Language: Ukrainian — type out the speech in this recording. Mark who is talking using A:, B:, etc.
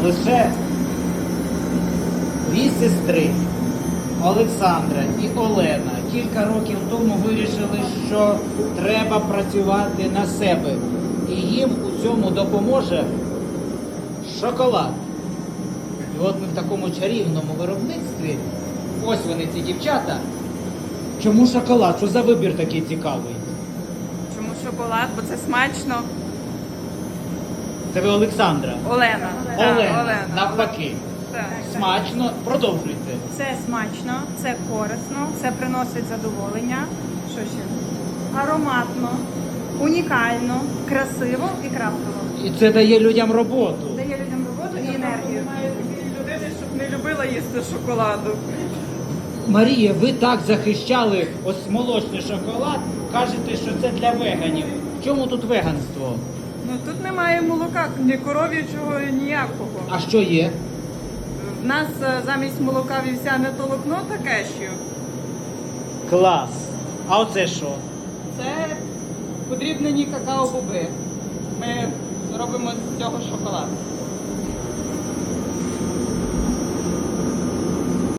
A: Лише дві сестри Олександра і Олена кілька років тому вирішили, що треба працювати на себе. І їм у цьому допоможе шоколад. І от ми в такому чарівному виробництві. Ось вони, ці дівчата. Чому шоколад? Що за вибір такий цікавий?
B: Чому шоколад? Бо це смачно.
A: Це ви Олександра?
B: Олена.
A: Олена. Навпаки.
B: Так.
A: Смачно. Продовжуйте.
C: Це смачно, це корисно, це приносить задоволення. Що ще? Ароматно, унікально, красиво і крафтово.
A: І це дає людям роботу.
C: Дає людям роботу і енергію.
B: Немає такої людини, щоб не любила їсти шоколаду.
A: Марія, ви так захищали ось молочний шоколад, кажете, що це для веганів. В чому тут веганство?
B: Ну тут немає молока, ні коров'ячого, ніякого.
A: А що є?
B: В нас замість молока вівсяне толокно та кешю.
A: Клас. А оце що?
B: Це подрібнені какао-боби. Ми робимо з цього шоколад.